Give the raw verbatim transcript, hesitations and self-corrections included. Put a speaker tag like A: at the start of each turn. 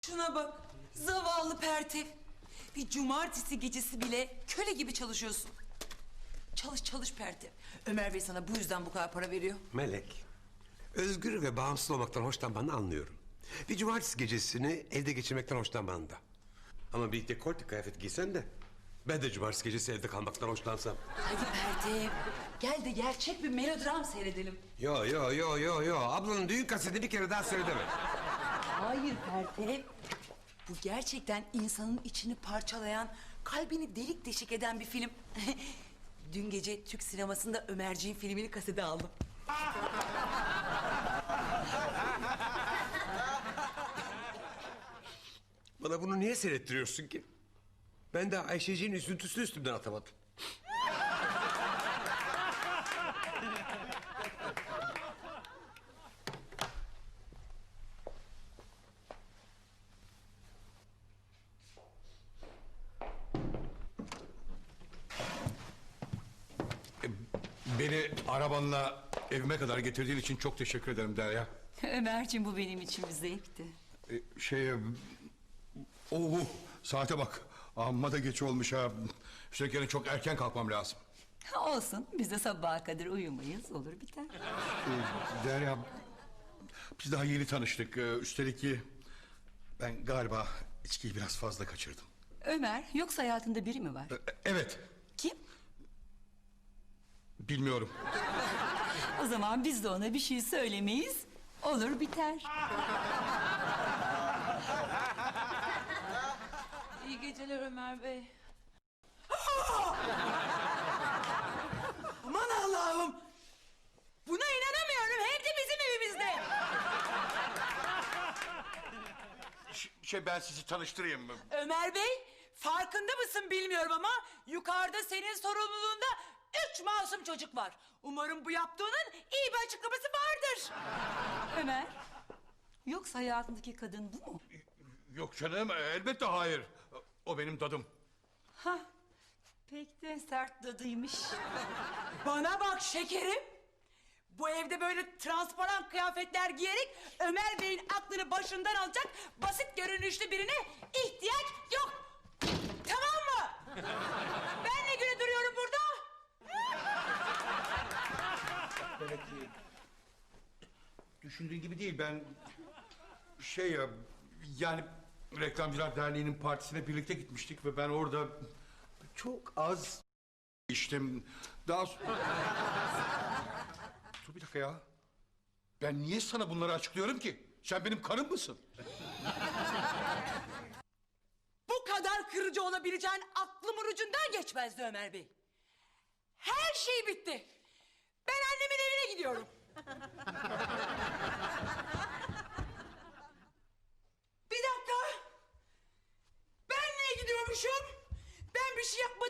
A: Şuna bak, zavallı Pertev. Bir cumartesi gecesi bile köle gibi çalışıyorsun. Çalış çalış Pertev. Ömer Bey sana bu yüzden bu kadar para veriyor.
B: Melek, özgür ve bağımsız olmaktan hoşlanmanı anlıyorum. Bir cumartesi gecesini evde geçirmekten hoşlanman da. Ama bir dekolte kıyafet giysen de ben de cumartesi gecesi evde kalmaktan hoşlansam.
A: Hadi Pertev, gel de gerçek bir melodram seyredelim.
B: Yo yo yo yo yo, ablanın düğün kasetini bir kere daha söyle deme.
A: Hayır Pertev. Bu gerçekten insanın içini parçalayan, kalbini delik deşik eden bir film. Dün gece Türk sinemasında Ömerciğin filmini kasete aldım.
B: Bana bunu niye seyrettiriyorsun ki? Ben de Ayşeciğin üzüntüsünü üstümden atamadım.
C: Beni arabanla evime kadar getirdiğin için çok teşekkür ederim Derya.
A: Ömerciğim, bu benim için bir zevkti.
C: Ee, şey... Oo, saate bak. Amma da geç olmuş ha. Üstelik yarın çok erken kalkmam lazım.
A: Olsun, biz de sabaha kadar uyumayız, olur biter.
C: Ee, Derya... Biz daha yeni tanıştık. Ee, üstelik ki... Ben galiba içkiyi biraz fazla kaçırdım.
A: Ömer, yoksa hayatında biri mi var?
C: Ee, evet.
A: Kim?
C: Bilmiyorum.
A: O zaman biz de ona bir şey söylemeyiz, olur biter.
D: İyi geceler Ömer Bey.
A: Aman Allah'ım! Buna inanamıyorum, hem de bizim evimizde.
C: Ş- Şey ben sizi tanıştırayım mı?
A: Ömer Bey, farkında mısın bilmiyorum ama... ...yukarıda senin sorumluluğunda üç masum çocuk var. Umarım bu yaptığının iyi bir açıklaması vardır. Ömer, yoksa hayatındaki kadın bu mu?
C: Yok canım, elbette hayır. O benim dadım.
A: Hah, pek de sert dadıymış. Bana bak şekerim. Bu evde böyle transparan kıyafetler giyerek Ömer Bey'in aklını başından alacak basit görünüşlü birine ihtiyaç yok. Tamam mı? Ben ne güne duruyorum burada?
C: Belki düşündüğün gibi değil. Ben şey ya, yani Reklamcılar Derneği'nin partisine birlikte gitmiştik ve ben orada çok az içtim. Daha so- Dur bir dakika ya. Ben niye sana bunları açıklıyorum ki? Sen benim karım mısın?
A: Bu kadar kırıcı olabileceğin aklımın ucundan geçmezdi Ömer Bey. Her şey bitti. Ben annemin evine gidiyorum. Bir dakika. Ben niye gidiyormuşum? Ben bir şey yapmadım.